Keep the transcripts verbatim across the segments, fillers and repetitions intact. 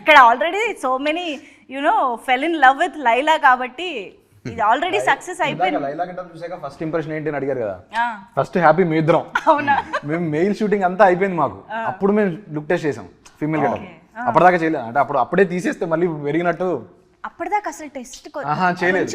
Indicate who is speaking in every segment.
Speaker 1: ఇక్కడ already so many you know fell in love with Laila కాబట్టి ఇది ఆల్రెడీ సక్సెస్ అయిపోయింది.
Speaker 2: లైలా గెటప్ చూసాక ఫస్ట్ ఇంప్రెషన్ ఏంటి అని అడిగారు కదా,
Speaker 1: ఆ,
Speaker 2: ఫస్ట్ హ్యాపీ మీ ఇద్దరం.
Speaker 1: అవునా?
Speaker 2: మేము మెయిల్ షూటింగ్ అంతా అయిపోయింది మాకు, అప్పుడు మేము లుక్ టెస్ట్ చేసాం ఫీమేల్ గెటప్. అప్పటిదాకా చేయలేదు, అంటే అప్పుడు అప్పుడే తీసేస్తే మళ్ళీ పెరిగినట్టు
Speaker 1: అప్పటిదాకా అసలు టెస్ట్
Speaker 2: చేయలేదు.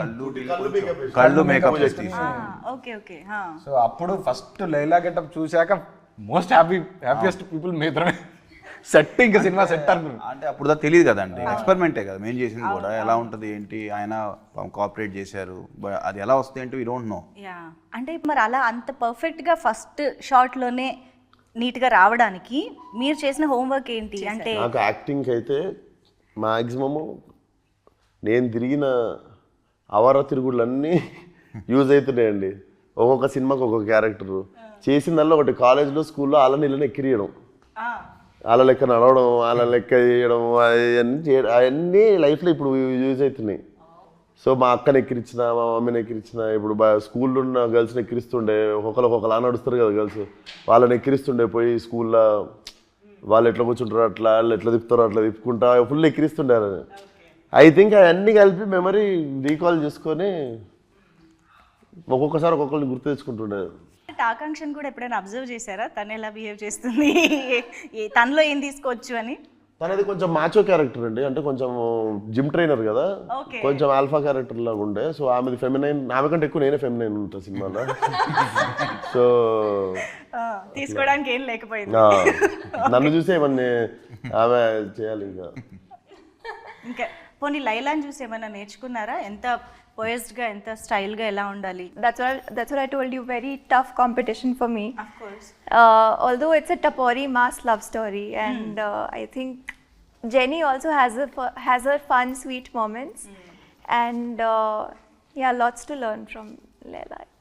Speaker 3: కళ్ళు మేకప్
Speaker 1: ఓకే ఓకే.
Speaker 2: సో అప్పుడు ఫస్ట్ లైలా గెటప్ చూసాక మోస్ట్ హ్యాపీ హ్యాపీయెస్ట్ పీపుల్ మీ ఇద్దరమే. సెట్ ఇంకా సినిమా సెట్ అనుకున్నాం.
Speaker 3: అంటే అప్పుడు దాకా తెలియదు కదండి, ఎక్స్పెరిమెంటే కదా మేము చేసింది కూడా, ఎలా ఉంటుంది ఏంటి, ఆయన కోఆపరేట్ చేశారు, అది ఎలా వస్తుంది ఏంటి వీ డోంట్ నో.
Speaker 1: యా, అంటే మరి అలా అంత పర్ఫెక్ట్గా ఫస్ట్ షాట్లోనే నీట్గా రావడానికి మీరు చేసిన హోంవర్క్ ఏంటి అంటే?
Speaker 4: నాకు యాక్టింగ్ అయితే మ్యాక్సిమము నేను తిరిగిన అవర తిరుగుళ్ళన్నీ యూజ్ అవుతున్నాయండి. ఒక్కొక్క సినిమాకి ఒక్కొక్క క్యారెక్టరు చేసిందల్లా ఒకటి, కాలేజ్లో స్కూల్లో వాళ్ళ నీళ్ళని ఎక్కిరియడం, వాళ్ళ లెక్క నడవడం, వాళ్ళ లెక్క చేయడం, అవన్నీ చేయడం, అవన్నీ లైఫ్లో ఇప్పుడు యూజ్ అవుతున్నాయి. సో మా అక్కని ఎక్కిరించిన, మా మమ్మీని ఎక్కిరించిన, ఇప్పుడు బా స్కూల్లో ఉన్న గర్ల్స్ని ఎక్కిరిస్తుండే, ఒక్కొక్కరు ఒక్కొక్కలా నడుస్తారు కదా గర్ల్స్, వాళ్ళని ఎక్కిరిస్తుండే పోయి స్కూల్లో, వాళ్ళు ఎట్లా కూర్చుంటారో అట్లా, వాళ్ళు ఎట్లా తిప్పుతారో అట్లా తిప్పుకుంటా ఫుల్ ఎక్కిరిస్తుండారు. ఐ థింక్ అవన్నీ కలిపి మెమరీ రీకాల్ చేసుకొని ఒక్కొక్కసారి ఒక్కొక్కరిని గుర్తు తెచ్చుకుంటుండే.
Speaker 1: ఆకాంక్షను కూడా ఎప్పుడైనా అబ్జర్వ్ చేశారా, తను ఎలా బిహేవ్ చేస్తుంది, తనలో ఏం తీసుకోవచ్చు అని?
Speaker 4: తనది కొంచెం మాచో క్యారెక్టర్ అండి, అంటే కొంచెం జిమ్ ట్రైనర్ కదా, కొంచెం ఆల్ఫా క్యారెక్టర్ లాగా ఉండే. సో ఆమెది ఫెమినైన్, ఆమె కంటే ఎక్కువ నేనే ఫెమినైన్ ఉంటా సినిమాలో. సో
Speaker 1: తీసుకోవడానికి ఏం లేకపోయింది,
Speaker 4: నన్ను చూసి ఏమన్నా ఆమె చేయాలి. ఇంకా
Speaker 1: ఇంకా పోనీ లైలాని చూసి ఏమైనా నేర్చుకున్నారా? ఎంత పోయస్డ్ గా, ఎంత స్టైల్ గా ఎలా ఉండాలి?
Speaker 5: That's what that's what I told you. Very tough competition for me.
Speaker 1: Of course.
Speaker 5: Uh, although it's a Tapori mass love story, and mm. uh, I think Jenny also has a has her fun, sweet moments, mm. and uh, yeah, lots to learn from Laila.